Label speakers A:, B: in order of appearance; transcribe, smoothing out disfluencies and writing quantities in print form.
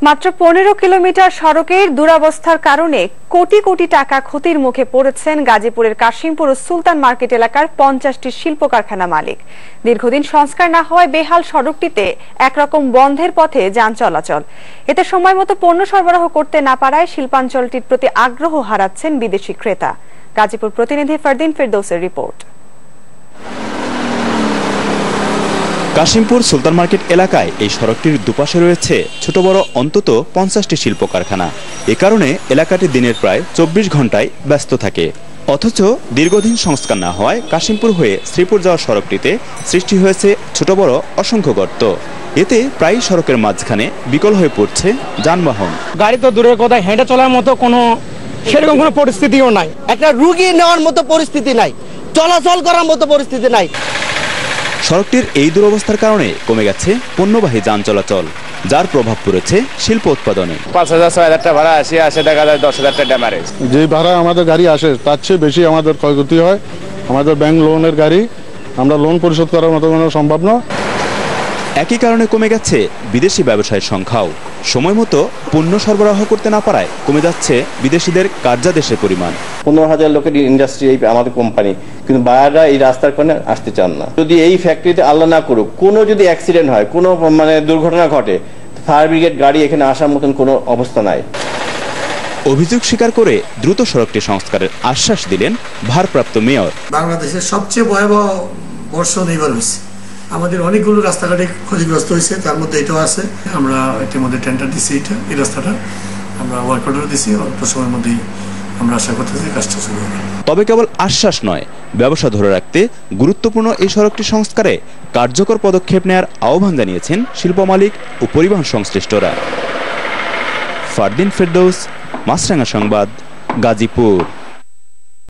A: মাত্র 15 কিলোমিটার সড়কের দুরবস্থার কারণে কোটি কোটি টাকা ক্ষতির মুখে পড়েছেন গাজীপুরের কাশিমপুর ও সুলতান মার্কেট এলাকার 50টি শিল্প কারখানা মালিক। দীর্ঘদিন সংস্কার না হওয়ায় বেহাল সড়কটিতে একরকম বন্ধের পথে যান চলাচল। এতে সময়মতো পণ্য সরবরাহ করতে না পারায় শিল্পাঞ্চলটির প্রতি আগ্রহ হারাচ্ছেন বিদেশি ক্রেতা। গাজীপুর প্রতিনিধি ফারদিন ফেরদৌসের রিপোর্ট।
B: কাশিমপুর সুলতান মার্কেট এলাকায় এই সড়কটির দুপাশে রয়েছে ছোট বড় অন্তত 50টি শিল্প কারখানা। এ কারণে এলাকাটি দিনের প্রায় 24 ঘন্টায় ব্যস্ত থাকে। অথচ দীর্ঘদিন সংস্কার না হওয়ায় কাশিমপুর হয়ে শ্রীপুর যাওয়ার সড়কটিতে সৃষ্টি হয়েছে ছোট বড় অসংখ্য গর্ত। এতে প্রায় সড়কের মাঝখানে বিকল হয়ে পড়ছে যানবাহন।
C: গাড়ি তো দূরের কথা, হেঁটে চলার মতো সেরকম কোনো পরিস্থিতিও নাই।
D: একটা রুগী নেওয়ার মতো পরিস্থিতি নাই, চলাচল করার মতো পরিস্থিতি নাই।
B: সড়কটির এই দুরবস্থার কারণে কমে গেছে পণ্যবাহী যান চলাচল, যার প্রভাব পড়েছে শিল্প উৎপাদনে।
E: 5,000-6,000 টাকা ভাড়া আসে দেখা যায় 10,000 টাকা ড্যামারেজ।
F: যে ভাড়া আমাদের গাড়ি আসে তার চেয়ে বেশি আমাদের ক্ষয়ক্ষতি হয়। আমাদের ব্যাংক লোনের গাড়ি, আমরা লোন পরিশোধ করার মতো কোনো সম্ভব না।
B: একই কারণে কমে গেছে বিদেশি ব্যবসায়ীর সংখ্যাও। সময় মতো পণ্য সরবরাহ করতে না পারায় কমে যাচ্ছে বিদেশিদের কার্যাদেশের পরিমাণ।
G: 15,000 লোকের ইন্ডাস্ট্রি এই আমাদের কোম্পানি, কিন্তু বায়াররা এই রাস্তার কারণে আসতে চান না। যদি এই ফ্যাক্টরিতে আল্লাহ না করুক কোনো যদি অ্যাক্সিডেন্ট হয়, কোনো দুর্ঘটনা ঘটে, ফায়ার ব্রিগেড গাড়ি এখানে আসার মতন কোনো অবস্থা নাই।
B: অভিযোগ স্বীকার করে দ্রুত সড়কটি সংস্কারের আশ্বাস দিলেন ভারপ্রাপ্ত মেয়র।
H: বাংলাদেশের সবচেয়ে ভয়াবহ বর্ষণ এইবার হয়েছে। আমাদের অনেকগুলো রাস্তাঘাটে ক্ষতিগ্রস্ত হয়েছে, তার মধ্যে এটাও আছে। আমরা ইতিমধ্যে টেন্ডার দিচ্ছি, এই রাস্তাটা আমরা ওয়ার্ক অর্ডার দিচ্ছি। অল্প সময়ের মধ্যেই আমরা আশা করতেছি কাজটা শুরু হবে।
B: তবে কেবল আশ্বাস নয়, ব্যবসা ধরে রাখতে গুরুত্বপূর্ণ এই সড়কটি সংস্কারে কার্যকর পদক্ষেপ নেওয়ার আহ্বান জানিয়েছেন শিল্প মালিক ও পরিবহন সংশ্লিষ্টরা। ফারদিন ফেরদৌস, মাছরাঙা সংবাদ, গাজীপুর।